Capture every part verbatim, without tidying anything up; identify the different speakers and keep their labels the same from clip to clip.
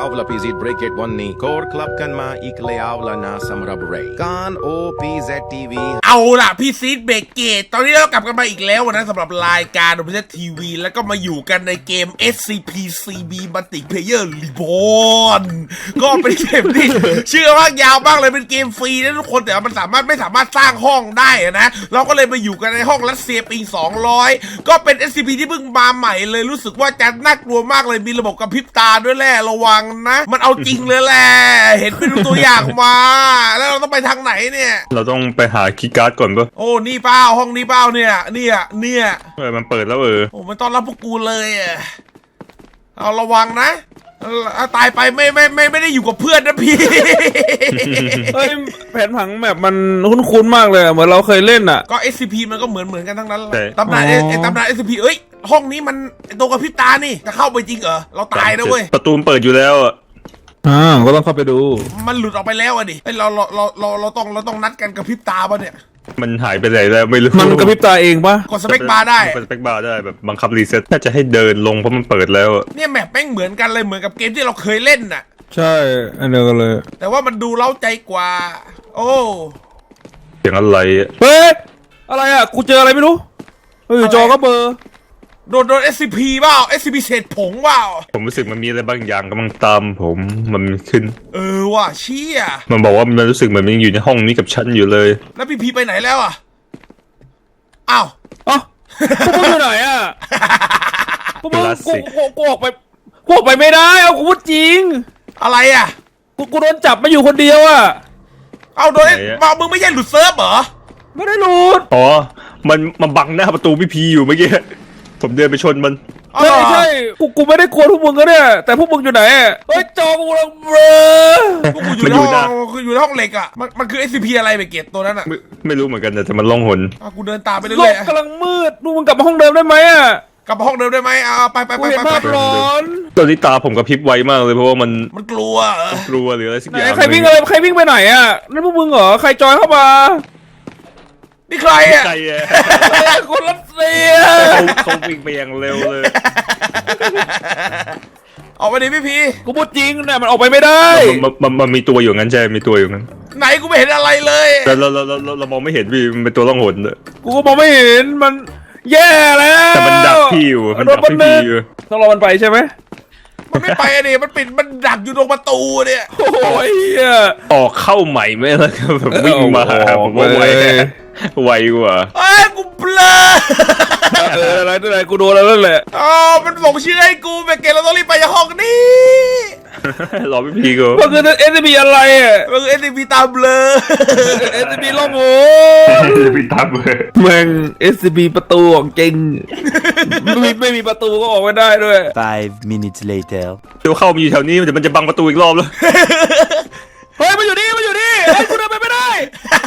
Speaker 1: วลาพีซีเบรกเกตวันนี้โคดคลับกันมาอีกแล้วละนะสำหรับเรย์การโอพีเซที วี
Speaker 2: เอาล่ะพี่ซีดเบรกเกตตอนนี้เรากลับกันมาอีกแล้วนะสำหรับรายการโอพีเซทีวีแล้วก็มาอยู่กันในเกม เอส ซี พี ซี บี Multiplayer Reborn ก็เป็นเกมที่ชื่อว่ายาวมากเลยเป็นเกมฟรีนะทุกคนแต่มันสามารถไม่สามารถสร้างห้องได้นะเราก็เลยมาอยู่กันในห้องรัสเซียปีสองร้อยก็เป็น เอส ซี พี ที่เพิ่งมาใหม่เลยรู้สึกว่าจะน่ากลัวมากเลยมีระบบกระพริบตาด้วยแหละระวังนะมันเอาจริงเลยแหละเห็นเป็นตัวอย่างมาแล้วเราต้องไปทางไหนเนี่ย
Speaker 3: เราต้องไปหาคีย์การ์ดก่อนปะ
Speaker 2: โอ้นี่เปล่าห้องนี้เปล่าเนี่ยเนี่ยเนี่ย
Speaker 3: เออมันเปิดแล้วเออ
Speaker 2: โอ้ไม่ต้อนรับพวกกูเลยอ่ะเอาระวังนะตายไปไม่ไม่ไม่ไม่ได้อยู่กับเพื่อนนะพี่
Speaker 4: เฮ้ยแผนผังแบบมันคุ้นๆมากเลยเหมือนเราเคยเล่นอ่ะ
Speaker 2: ก็ เอส ซี พี มันก็เหมือนเหมือนกันทั้งนั้นตำนานไอ้ตำนาน เอส ซี พี เอ้ยห้องนี้มันตัวกระพริบตานี่จะเข้าไปจริงเหรอเราตายนะเว้ย
Speaker 3: ประตูเปิดอยู่แล้วอ่ะ
Speaker 4: อ่าก็ต้องเข้าไปดู
Speaker 2: มันหลุดออกไปแล้วอ่ะดิเฮ้ยเราเราเราเราเราต้องเราต้องนัดกันกระพริบตาป่ะเนี่ย
Speaker 3: มันหายไปไหนแล้วไม่รู้
Speaker 4: มันกระพริบตาเองปะ
Speaker 2: กดสเปคบาร์ได้
Speaker 3: กดสเปคบาร์ได้แบบบังคับรีเซ็ตน่าจะให้เดินลงเพราะมันเปิดแล้ว
Speaker 2: เนี่ยแมปแม่งเหมือนกันเลยเหมือนกับเกมที่เราเคยเล่นน่ะ
Speaker 4: ใช่อันเดียวกันเลย
Speaker 2: แต่ว่ามันดูเล้าใจกว่าโอ้
Speaker 3: เสียงอะไร
Speaker 4: เฮ้ยอะไรอ่ะกูเจออะไรไม่รู้เฮ้ยจอก็เบอร์
Speaker 2: โดนโดน เอส ซี พี เปล่า เอส ซี พี เศษผงเปล่า
Speaker 3: ผมรู้สึกมันมีอะไรบางอย่างกำลังตามผมมันขึ้น
Speaker 2: เออว่ะเชี่ย
Speaker 3: มันบอกว่ามันรู้สึกเหมือนมันอยู่ในห้องนี้กับฉันอยู่เลย
Speaker 2: แล้วพี่พีไปไหนแล้วอ่ะอ้าว
Speaker 4: อ๋อพวกมึงอยู่ไหนอ่ะพวกมึงกูกูกูออกไปกูออกไปไม่ได้เอากูพูดจริง
Speaker 2: อะไรอ่ะ
Speaker 4: กูกูโดนจับมาอยู่คนเดียวอ่ะ
Speaker 2: เอาโดนมามึงไม่ใช่หลุดเซิร์ฟเหรอ
Speaker 4: ไม่ได้หลุด
Speaker 3: อ๋อมันมันบังหน้าประตูพี่พีอยู่เมื่อกี้ผมเดินไปชนมัน
Speaker 4: ใช่ใช่กูกูไม่ได้กลัวพวกมึงก็เนี่ยแต่พวกมึงอยู่ไหนเฮ้ยจอกูลังเบลอ
Speaker 2: พวกกูอยู่ในห้องคืออยู่ในห้องเหล็กอ่ะมันมันคือ เอส ซี พี อะไรไปเก็ตตัวนั้นอ่ะ
Speaker 3: ไม่ไม่รู้เหมือนกันแต่มันล่องหน
Speaker 2: กูเดินตามไปเรื่อย
Speaker 4: ๆกำลังมืดดูมึงกลับมาห้องเดิมได้ไหมอ่ะ
Speaker 2: กลับมาห้องเดิมได้ไหมอ่าไปไปไปไป
Speaker 4: ไปร้อน
Speaker 3: ตอนนี้ตาผมกระพริบไวมากเลยเพราะว่ามัน
Speaker 2: มันกลัว
Speaker 3: กลัวหรืออะไรสักอย่าง
Speaker 4: ใครวิ่งอะไรใครวิ่งไปไหนอ่ะนั่นพวกมึงเหรอใครจอยเข้ามา
Speaker 2: นี่ใครอ่ะ
Speaker 3: ใครอ่ะ
Speaker 4: คนรัสเซีย
Speaker 3: เขาเขาวิ่งไปอย่างเร็วเลย
Speaker 2: ออกไปดิพี่พี
Speaker 4: กูพูดจริงเนี่ยมันออกไปไม่ได้
Speaker 3: มันมันมันมีตัวอยู่งั้นใช่มีตัวอยู่งั้น
Speaker 2: ไหนกูไม่เห็นอะไรเลย
Speaker 3: แต่เราเราเราเรามองไม่เห็นพี่มันเป็นตัวล่องหนเลย
Speaker 4: กูก็มองไม่เห็นมันแย่แล้ว
Speaker 3: แต่มันดักพี่อยู่มันดักพี่อยู่
Speaker 4: ต้องรอมันไปใช่ไหม
Speaker 2: มันไม่ไปดิมันปิดมันดักอยู่ตรงประตูเนี่ย
Speaker 4: โอ้ย
Speaker 3: ออกเข้าใหม่ไม่แล้วแบบวิ่งมาผมว่าไวไวกว่า
Speaker 2: เอ้ยกูเบลอ
Speaker 4: เอออะไรอะไรกูโดนแล้วนั่นแหละ
Speaker 2: อ๋อมันส่งชื่อให้กูไปเกลเราต้องรีบไปยังห้องนี้
Speaker 3: รอพี่พีกู
Speaker 4: มันคือ เอส ซี พี อะไรอ่ะ
Speaker 2: มันคือ เอส ซี พี ตาเบลอ
Speaker 4: เอส ซี พี ล่องโห
Speaker 3: เอส ซี พี ตาเบลอ
Speaker 4: แม่ง เอส ซี พี ประตูของจริงไม่ไม่มีประตูก็ออกไม่ได้ด้วย
Speaker 5: five minutes later
Speaker 3: เดี๋ยวเข้ามาอยู่แถวนี้เดี๋ยวมันจะบังประตูอีกรอบแล้ว
Speaker 4: เฮ้ยมันอยู่นี่มันอยู่นี่เฮ้ยกูเดินไปไม่ได้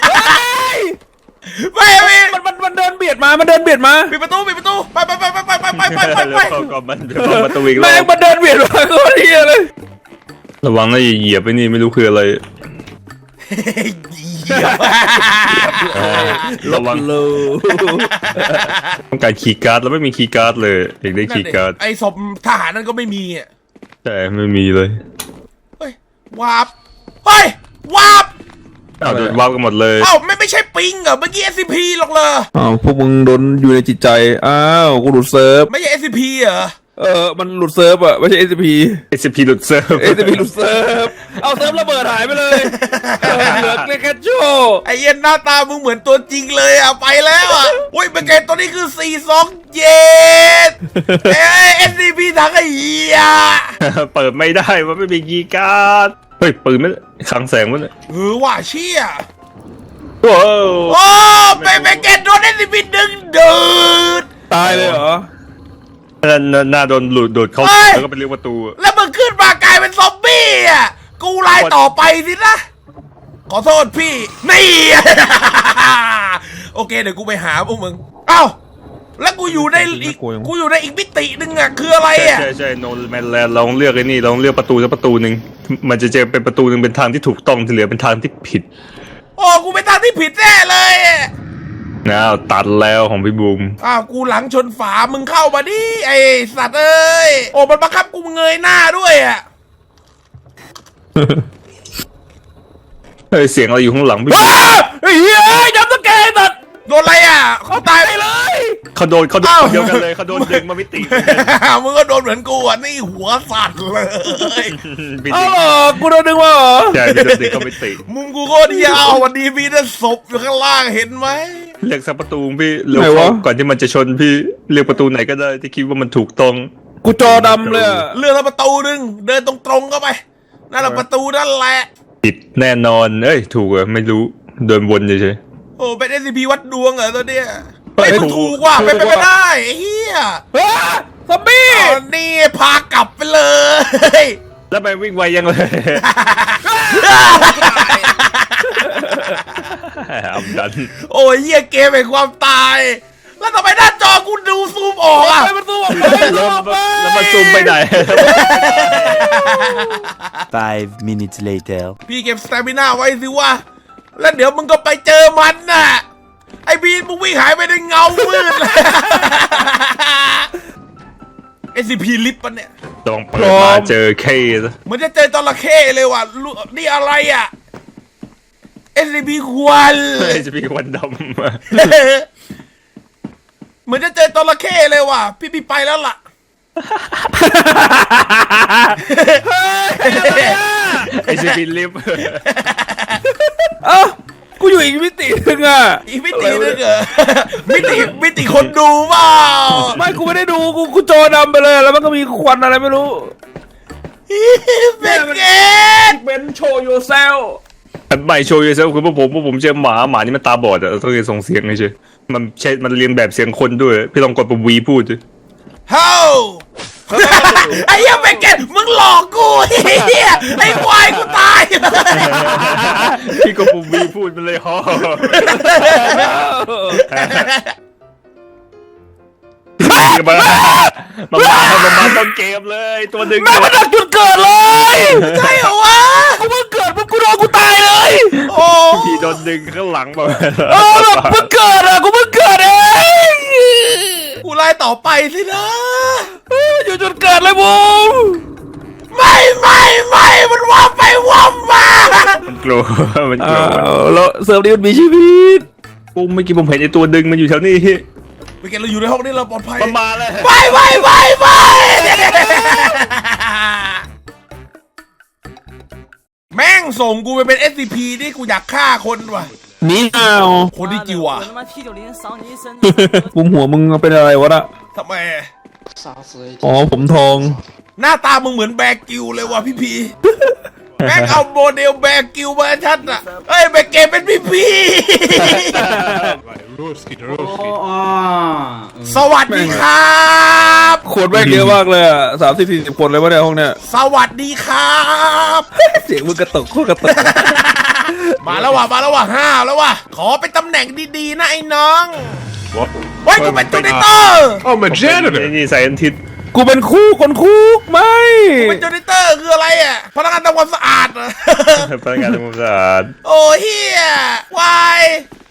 Speaker 2: ไม่ไม่
Speaker 4: มันมันมันเดินเบียดมามันเดินเบียดมา
Speaker 2: ปิดประตูปิดประตูไปไปไปไปไปไปไปไปไปไป
Speaker 3: ก่อนมันเดี๋ยวประตูอีกรอบ
Speaker 4: แม่งมันเดินเบียดมาก็เฮียเลย
Speaker 3: ระวังนะอย่าเหยียบไปนี่ไม่รู้คืออะไรระวังต้องการคีย์การ์ดแล้วไม่มีคีย์การ์ดเลยอยากได้คีย์การ์ด
Speaker 2: ไอ้ศพทหารนั่นก็ไม่มีอ่ะ
Speaker 3: แต่ไม่มีเลย
Speaker 2: เฮ้ยวาร์ปเฮ้ยวาร์ป
Speaker 3: อ้าวโดนวาร์ปกันหมดเลย
Speaker 2: อ้าวไม่ไม่ใช่ปิงเหรอเมื่อกี้ เอส ซี พี หรอกเลย
Speaker 4: อ้าวพวกมึงโดนอยู่ในจิตใจอ้าวกูหลุดเซิร์ฟ
Speaker 2: ไม่ใช่ เอส ซี พี เหรอ
Speaker 4: เออมันหลุดเซิร์ฟอะไม่ใช่ เอส ซี พี
Speaker 3: เอส ซี พี หลุดเซิร์ฟ
Speaker 4: เอส ซี พี หลุดเซิร์ฟเอาเซิร์ฟระเบิดหายไปเลยเหลือแค่โชว์
Speaker 2: ไอเย็นหน้าตามึงเหมือนตัวจริงเลยอ่ะไปแล้วอ่ะโอ้ยเป็นไงตัวนี้คือสี่สองเจ็ดเอ้ย เอส ซี พี ทั้งไอ้เหี้ย
Speaker 3: เปิดไม่ได้มันไม่มีคีย์การ์ดเฮ้ยปืนไม่คลังแสงมัน
Speaker 2: เออว่าเชี่ย
Speaker 3: โอ้
Speaker 2: โอ้ไปไปแกโดน เอส ซี พี ดึงดูด
Speaker 4: ตายเลยเหรอ
Speaker 3: หน้าโดนหลุดโดดเข้าแล้วก็เป็นเรื่องประตู
Speaker 2: แล้วมึงขึ้นมากลายเป็นซอมบี้อ่ะกูไล่ต่อไปสินะขอโทษพี่นี่โอเคเดี๋ยวกูไปหาพวกมึงเอ้าแล้วกูอยู่ในอีกกูอยู่ในอีกมิตินึงอ่ะคืออะไรอ่ะ
Speaker 3: ใช่ใช่โนแมนแลนด์ลองเลือกไอ้นี่ลองเลือกประตูสักประตูหนึ่งมันจะเจอเป็นประตูหนึ่งเป็นทางที่ถูกต้องที่เหลือเป็นทางที่ผิด
Speaker 2: โอ้กูเป็นทางที่ผิดแน่เลย
Speaker 3: อ้าวตัดแล้วของพี่บูม
Speaker 2: อ้าวกูหลังชนฝามึงเข้ามาดิไอสัตว์เอ้ยโอ้มันบังคับกูเงยหน้าด้วยอ่ะ
Speaker 3: เฮ้ยเสียงอะไรอยู่ข้างหลังพี่
Speaker 4: อ้าไอ้เหี้ยจับตะแกรงตัด
Speaker 2: โดนอะไรอ่ะเขาตาย
Speaker 4: ไปเลย
Speaker 3: เขาโดนเขาโดนคนเดียวกันเลยเขาโดนดึงมาไม่ติ
Speaker 2: มึงก็โดนเหมือนกูอ่ะนี่หัวสั่นเลย
Speaker 3: พี่
Speaker 4: เอา
Speaker 3: ติ
Speaker 4: เหรอกูโดนดึงมาเหรอ
Speaker 3: ใช่พี่โดนดึงเขาไม่ติ
Speaker 2: มุมกูโคตรยาววันนี้มีแต่ศพอยู่ข้างล่างเห็นไหม
Speaker 3: เรียกสักประตูพี่เร็วเข้าก่อนที่มันจะชนพี่เรียกประตูไหนก็ได้ที่คิดว่ามันถูกต้อง
Speaker 4: กูจอดำเลยอะ
Speaker 2: เลื่อนแล้วประตูนึงเดินตรงๆเข้าไปนั่นแหละประตูนั่นแหละ
Speaker 3: ผิดแน่นอนเอ้ยถูกเหรอไม่รู้เดินวนเฉย
Speaker 2: โอ้เป็น เอส ซี พี วัดดวงเหรอตัวเนี้ยไอ้ยมึงถูกว่ะเป็นไปไม่ได้ไอ้เหี้ย
Speaker 4: อ้าซอมบี้
Speaker 2: ตอนนี้พากลับไปเลย
Speaker 3: ๆแล้วไปวิ่งไวยังเลย อับดัน
Speaker 2: โอ้ยเหี้ยเกมแห่งความตาย แล้วทำไมหน้าจอกูดูซูมออกอ่ะ
Speaker 4: ไปประตูออกไปประตูออกไป
Speaker 3: แล้วมันซูมไปไหน
Speaker 5: Five minutes later.
Speaker 2: พี่เก็บสเตมิน่าไว้สิวะแล้วเดี๋ยวมึงก็ไปเจอมันน่ะไอ้บีนมึงวิ่งหายไปในเงามืดเลย เอส ซี พี ลิฟต์ปะเนี่ย
Speaker 3: ลองเปิดมาเจอเคส
Speaker 2: เหมือนจะเจอจระเข้เลยว่ะลูนี่อะไรอ่ะ เอส ซี พี ควัน
Speaker 3: จะมีควันด
Speaker 2: เหมือนจะเจอจระเข้เลยว่ะพี่พี่ไปแล้วล่ะ
Speaker 3: ำไอซีพีลิฟ
Speaker 4: เอ้ากูอยู่อีกมิตินึงอะ
Speaker 2: อีกมิตินึงเหรอ มิติมิติคนดูเปล่า
Speaker 4: ไม่กูไม่ได้ดูกูกูจอดำไปเลยแล้วมันก็มีควันอะไรไม่รู้
Speaker 2: เป็นเกต
Speaker 4: เป็นโชว์ yourself
Speaker 3: ไม่โชว์เยอะซะคือพวกผมพวกผมเจอหมาหมานี่มันตาบอดอะต้องเรียนส่งเสียงไงเชยมันใช่มันเรียนแบบเสียงคนด้วยพี่ลองกดปุ่มวีพูดดิ
Speaker 2: เฮ้า ไอ้เหี้ยเป็นเกตมึงหลอกกูไอ้เหี้ยไอ้ควายกูตายเลย
Speaker 3: พี่กดปุ่มวีพูดมันเลยฮอมามามามามาต้นเกมเลยตัวหนึ่ง
Speaker 4: แม่งมันดักจุดเกิดเลย
Speaker 2: ใช่เหรอวะ
Speaker 4: กูเพิ่งเกิดปุ๊บกูโดนกูตายเลย
Speaker 2: โอ้
Speaker 3: พี่โดนดึงข้างหลังมา
Speaker 4: เออแบบเพิ่งเกิดอะกูเพิ่งเกิดเอง
Speaker 2: กูไล่ต่อไปสินะ
Speaker 4: เอออยู่จุดเกิดเลยบูม
Speaker 2: ไม่ไม่ไม่มันว่าไปว่ามา
Speaker 3: มันกลัวมันกลัว
Speaker 4: แล้วเซิร์ฟนี้มันมีชีวิต
Speaker 3: ปุ๊บเมื่อกี้ผมเห็นไอ้ตัวดึงมันอยู่แถวนี้
Speaker 2: เป็นเกตเราอยู่ในห้องนี้เราปลอดภัย
Speaker 3: มันมาแล้ว
Speaker 2: ไปไปไปไปแม่งส่งกูไปเป็น เอส ซี พี นี่กูอยากฆ่าคนว่ะ
Speaker 4: หนี่เอา
Speaker 2: คนที่จิวอ่ะ
Speaker 6: 我他妈 T 九零扫你一身！
Speaker 4: บุมหัวมึงเป็นอะไรวะน่ะ
Speaker 2: ทำไม
Speaker 4: อ๋อผมทอง
Speaker 2: หน้าตามึงเหมือนแบร์กิวเลยว่ะพี่พี แม่งเอาโมเดลแบร์กิวมาให้ชัดอ่ะเอ้ยแบร์เกมเป็นพี่พี สวัสดีครับ
Speaker 4: คนแม่งเยอะมากเลยอ่ะสามสิบสี่สิบคนเลยวะเนี่ยห้องเนี้ย
Speaker 2: สวัสดีครับ
Speaker 4: เสียงมึงกระตุกโคตรกระตุก
Speaker 2: มาแล้วว่ะมาแล้วว่ะห้าแล้วว่ะขอเป็นตำแหน่งดีๆนะไอ้น้อง
Speaker 3: วะ
Speaker 2: เฮ้ยกูเป็นจูนิเตอร์
Speaker 3: I'm a janitor นี่ใส่อันทิศ
Speaker 4: กูเป็นคู่คนคุกไม่
Speaker 2: เป็นจูนิเตอร์คืออะไรอ่ะพนักงานทำความสะอาดเหรอ
Speaker 3: พนักงานทำความสะอาด
Speaker 2: โอ้เฮียวาย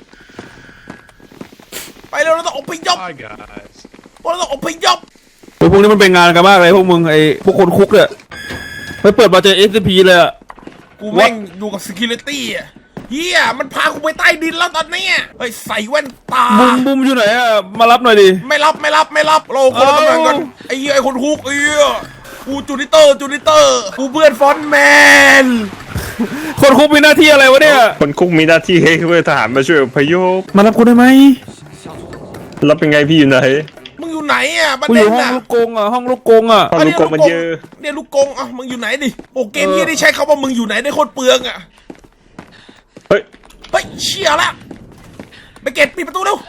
Speaker 2: ไปเร็วเราต้องออกไปยบเราต้องออกไปยบ
Speaker 4: พวกพวกนี้มันเป็นงานกันมากเลยพวกมึงไอ้พวกคนคุกเนี่ยไปเปิดมาเจอ เอส ซี พี เลยอ่ะ
Speaker 2: กูแม่งอยู่กับ security อ่ะเฮียมันพากูไปใต้ดินแล้วตอนเนี้ยเฮ้ยใส่แว่นตา
Speaker 4: บุมบุมอยู่ไหนอ่ะมารับหน่อยดิ
Speaker 2: ไม่รับไม่รับไม่รับเราคนละตำแหน่งกันไอ้เหี้ยไอ้คนคุกไอ้เหี้ยกูจูนิเตอร์จูนิเตอร์กูเพื่อนฟอนต์แมน
Speaker 4: คนคุกมีหน้าที่อะไรวะเนี่ย
Speaker 3: คนคุกมีหน้าที่ให้เพื่อทหารมาช่วยอพยพ
Speaker 4: มารับกูได้ไหม
Speaker 3: รับเป็นไงพี่อยู่ไหน
Speaker 2: มึงอยู่ไหนอ่ะประ
Speaker 4: กูอ
Speaker 2: เด็น
Speaker 4: ยู่ห้อง
Speaker 2: น่ะ
Speaker 4: ลูกกงอ่ะห้องลูกกงอ่ะ
Speaker 3: ห้องลูกกงมันเยอะ
Speaker 2: เนี่ยลูกกงอ่ะมึงอยู่ไหนดิโอ้เกมนี้ได้ใช้คำว่ามึงอยู่ไหนได้โคตรเปลืองอ่ะ
Speaker 3: เฮ้ย
Speaker 2: เฮ้ยเชี่ยละไปเก็ตปิดประตูเร็ว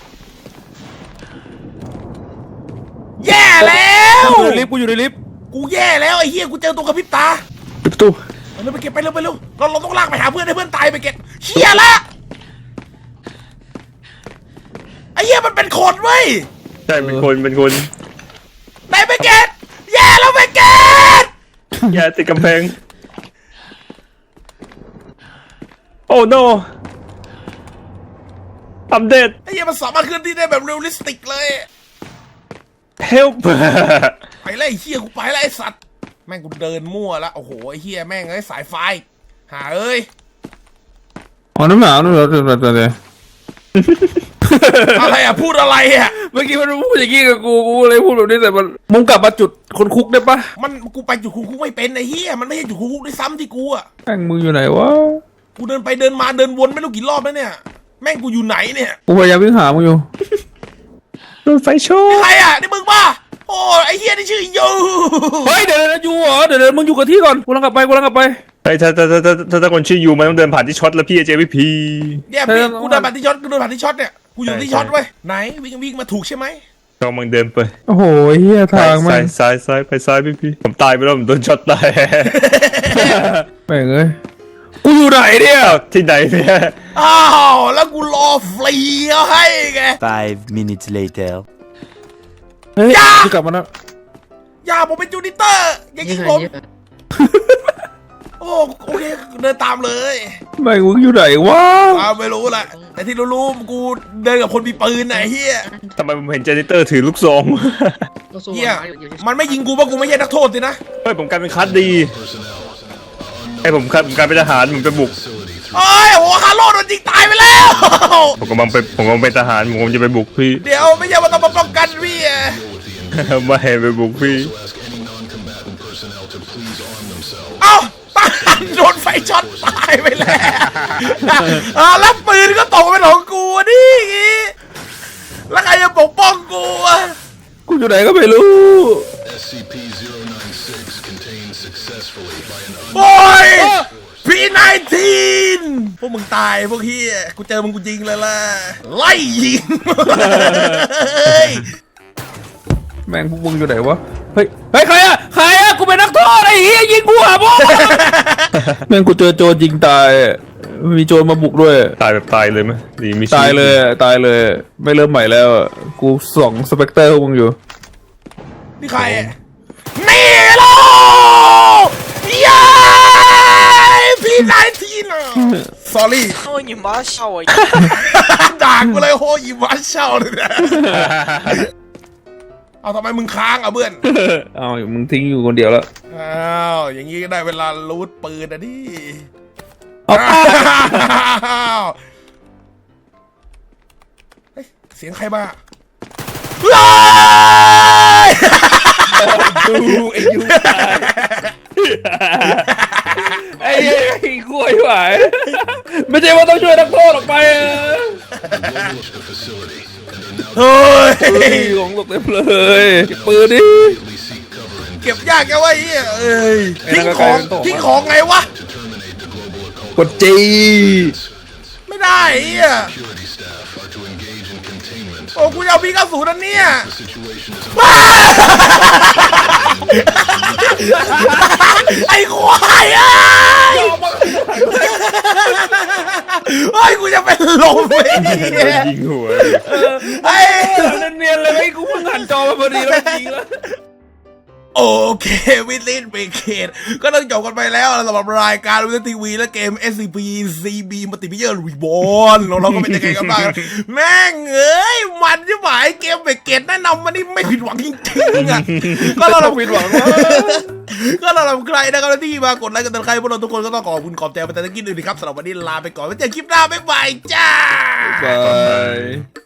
Speaker 2: แย่แล้ว
Speaker 4: กูอยู่ในลิฟต์กูอยู่ในลิฟต์
Speaker 2: กูแย่แล้วไอ้เหี้ยกูเจอตัวกระพริบตา
Speaker 3: ปิดประตู
Speaker 2: ไปเร็วไปเก็บไปเร็วไปเร็วเราเราต้องลากไปหาเพื่อนให้เพื่อนตายไปเก็บเชี่ยละไอ้เหี้ยมันเป็นคนเว้ย
Speaker 3: ใช่เป็นคนเป็นคน
Speaker 2: ไหนไปเก็บแย่แล้วไปเก็บ
Speaker 3: อย่าติดกำแพงโอ้ no อัปเดต
Speaker 2: ไอ้เหี้ยมันสามารถเคลื่อนที่ได้แบบเรียลลิสติกเลย
Speaker 3: help
Speaker 2: ไปแล้วไอ้เหี้ยกูไปแล้วไอ้สัตว์แม่งกูเดินมั่วแล้วโอ้โหไอ้เฮียแม่งเอ้ยสายไฟหาเอ้ย
Speaker 4: อ๋อน้ำหนาวน้ำหนาวเดี๋ยวเดี๋ยวเดี๋ยว
Speaker 2: อะไรอ่ะพูดอะไรอ่ะ
Speaker 4: เมื่อกี้มันพูดอย่างงี้กับกูกูเลยพูดแบบนี้แต่มันมึงกลับมาจุดคนคุกได้ปะ
Speaker 2: มันกูไปจุดคุกคุกไม่เป็นไอ้เฮียมันไม่ใช่จุดคุกคุกด้วยซ้ำที่กูอ่ะ
Speaker 4: แม่งมึงอยู่ไหนวะ
Speaker 2: กูเดินไปเดินมาเดินวนไม่รู้กี่รอบแล้วเนี่ยแม่งกูอยู่ไหนเนี่ย
Speaker 4: กูพยายามวิ่งหามึงอยู่
Speaker 3: รถไฟโช
Speaker 2: นี่
Speaker 3: ว์
Speaker 2: ใครอ่ะนี่มึงป่ะโอ้ไอ้เฮียนี่ชื่อยู
Speaker 4: เฮ้ยเดี๋ยวเดี๋ยวอยู่เหรอเดี๋ยวเดี๋ยวมึงอยู่กับที่ก่อนกูกำลังกลับไปกูกำลังกลับไป
Speaker 3: ไอ้ถ้าถ้าถ้าถ้าถ้าถ้าคนชื่อยูมันต้องเดินผ่านที่ช็อตแล้วพี่เจพี่พี
Speaker 2: เนี่ยพี่กูเดินผ่านที่ช็อตกูเดินผ่านที่ช็อตเนี่ยกูอยู่ที่ช็อตเว้ยไหนวิ่งวิ่งมาถูกใช่ไหม
Speaker 3: กำลังเดินไป
Speaker 4: โอ้โหเฮียทางมั
Speaker 3: ซ้าน ยซ้ายซ้ายไปซ้ายพี่พีผมตายไปแล้วผมโดนช็อตตาย
Speaker 4: แม่งเอ้ยกูอยู่ไหนเนี่ย
Speaker 3: อ้าวที่ไหนเนี่ย
Speaker 2: อ้าวแล้วกูรอฟรีเอาให้ไง
Speaker 5: Five minutes later.
Speaker 4: เฮ้ย
Speaker 2: อย่า
Speaker 4: กูกลับมาแล้ว
Speaker 2: อย่าผมเป็นจูนิเตอร์อย่ายิงผมโอ้โอเคเดินตามเลย
Speaker 4: แม่งมึงอยู่ไหนวะ
Speaker 2: อ้าวไม่รู้แหละแต่ที่รู้ๆกูเดินกับคนมีปืนไหนเฮีย
Speaker 3: ทำไมผมเห็นเจเนเตอร์ถือลูกซอง
Speaker 2: เฮียมันไม่ยิงกูเพราะกูไม่ใช่นักโทษสินะ
Speaker 3: เฮ้ยผมกลายเป็นคัสดีให้ผมกลายผมกลายเป็นทหารผมไปบุก
Speaker 2: เอ้ยโอ้ฮาโลโดนยิงตายไปแล้ว
Speaker 3: ผมกำลังไปผมกำลังเป็นทหารผมกำลังจะไปบุกพี่
Speaker 2: เดี๋ยวไม่ใช่ว่าต้องมาป้องกันพี่อะ
Speaker 3: ไม่ให้ไปบุกพี่
Speaker 2: เอ้าตายโดนไฟช็อตตายไปแล้วอ่าแล้วปืนก็ตกเป็นของกูอะดิแล้วใครจะปกป้องกูอะ
Speaker 4: กูอยู่ไหนก็ไม่รู้
Speaker 6: S C P zero nine six contained successfully by an
Speaker 2: โอ้ยพีไนทีนพวกมึงตายพวกเฮียกูเจอมึงกูยิงเลยล่ะไล่ยิง
Speaker 4: แม่งพวกมึงอยู่ไหนวะเฮ้ยเฮ้ยใครอะใครอะกูเป็นนักโทษไอ้เหี้ยยิงกูหาพวกแม่งกูเจอโจรยิงตายมีโจรมาบุกด้วย
Speaker 3: ตายแบบตายเลยไหมดีมีชีวิ
Speaker 4: ตายเลยอะตายเลย ไม่เริ่มใหม่แล้วอะกูส่องสเปกเตอร์พวกมึงอยู่
Speaker 2: นี่ใครอะนี่โลเย้พีไนทีน sorry
Speaker 7: 哦，你妈吓我一
Speaker 2: ด่ากูเลยโหอีวัชเช่าเลยนะเอาทำไมมึงค้างอ่ะเพื่อน
Speaker 4: เอามึงทิ้งอยู่คนเดียวแล้ว
Speaker 2: อ้าวอย่างงี้ก็ได้เวลารูดปืนอ่ะดิ
Speaker 4: เอา
Speaker 2: อ้าวเฮ้ยเสียงใครมาเฮ้ย
Speaker 4: ดูไอ้ยูตายไอ้เหี้ยไอ้กล้วยไหวไม่ใช่ว่าต้องช่วยนักโทษออกไปอะ
Speaker 6: the facility, and they now
Speaker 2: เฮ้ย
Speaker 4: เฮ้ยของตกเต็มเลยเก็บปืนดิ
Speaker 6: immediately seek cover and
Speaker 2: เก็บยากแกวะไอ้เหี้ยเอ้ย
Speaker 4: ไอ้
Speaker 2: ทิ้ง
Speaker 4: นั่นก็
Speaker 2: ของ
Speaker 4: ใครเป็นตัว
Speaker 2: ทิ้งของไงวะ
Speaker 6: to terminate the global occult
Speaker 4: กดจี
Speaker 2: ไม่ได้ไอ้เหี้ย
Speaker 6: security staff are to engage in containment.
Speaker 2: โอ้กูจะเอาพีกระสุนอันเนี้ย
Speaker 6: The situation is
Speaker 2: ไอ้ควายเอ้ยเฮ้ยกูจะเป็นลมไปเนี่ย
Speaker 3: ยิงหัว
Speaker 2: ไอ้
Speaker 4: เนียนๆเลยไอ้กูเพิ่งหันจอมาพอดีแล้วจริงแล้ว
Speaker 2: โอเควิลินเบเกตก็ต้องจบกันไปแล้วสำหรับรายการวิทยทีวีและเกม เอส ซี พี ซี บี มัลติเพเยอร์รีบอนเราเราก็เป็นยังไงกันบ้างแม่งเอ้ยมันใช่ไหมเกมเบเกตแนะนำมันนี่ไม่ผิดหวังจริงๆอ่ะก็เรา
Speaker 4: ผิดหวัง
Speaker 2: ก็เราทำใครนะครับที่มากดไลค์กันเป็นใครพวกเราทุกคนก็ต้องขอบคุณขอบใจไปแต่ตะกี้ด้วยนะครับสำหรับวันนี้ลาไปก่อนไว้เจอคลิปหน้าบ๊ายบายจ้า
Speaker 4: บาย